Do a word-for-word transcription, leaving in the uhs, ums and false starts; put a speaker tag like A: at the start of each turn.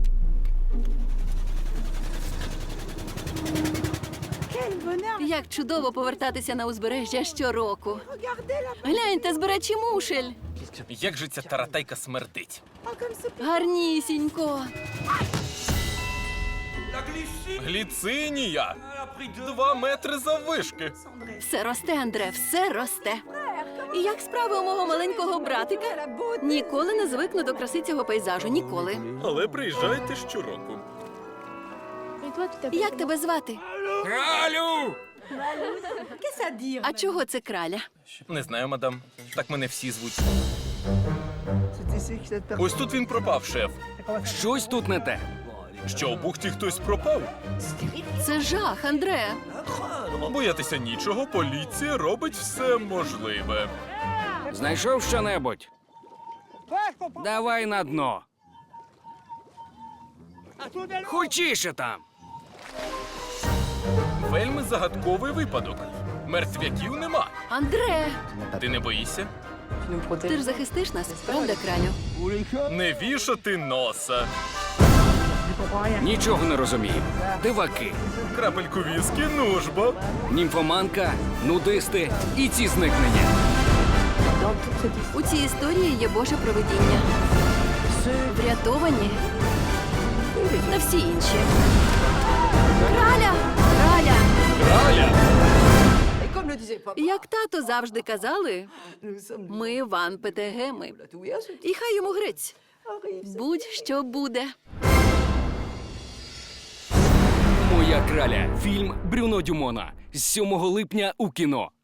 A: Як чудово повертатися на узбережжя щороку. Гляньте, збирачі мушель.
B: Як же ця таратайка смердить?
A: Гарнісінько.
B: Гліцинія! Два метри заввишки.
A: Все росте, Андре, все росте. І як справи у мого маленького братика? Ніколи не звикну до краси цього пейзажу, ніколи.
B: Але приїжджайте щороку.
A: Як тебе звати?
B: Кралю!
A: А чого це краля?
B: Не знаю, мадам. Так мене всі звуть. Ось тут він пропав, шеф.
C: Щось тут не те.
B: Що, у бухті хтось пропав?
A: Це жах, Андре.
B: Боятися нічого, поліція робить все можливе.
C: Знайшов що-небудь? Давай на дно. Хочіше там.
B: Вельми загадковий випадок. Мертвяків нема.
A: Андре,
B: Ти не боїшся?
A: ти ж захистиш нас, правда, кралю?
B: Не вішати носа.
C: Нічого не розумію. Диваки,
B: Крапельку віскі, нужбо.
C: німфоманка, нудисти і ці зникнення.
A: У цій історії є Боже провидіння. Врятовані та всі інші. Краля! Краля!
B: Краля!
A: Як тато завжди казали, ми Ван Петегеми. І хай йому грець. Будь-що буде.
C: Моя краля. Фільм Брюно Дюмона. З сьомого липня у кіно.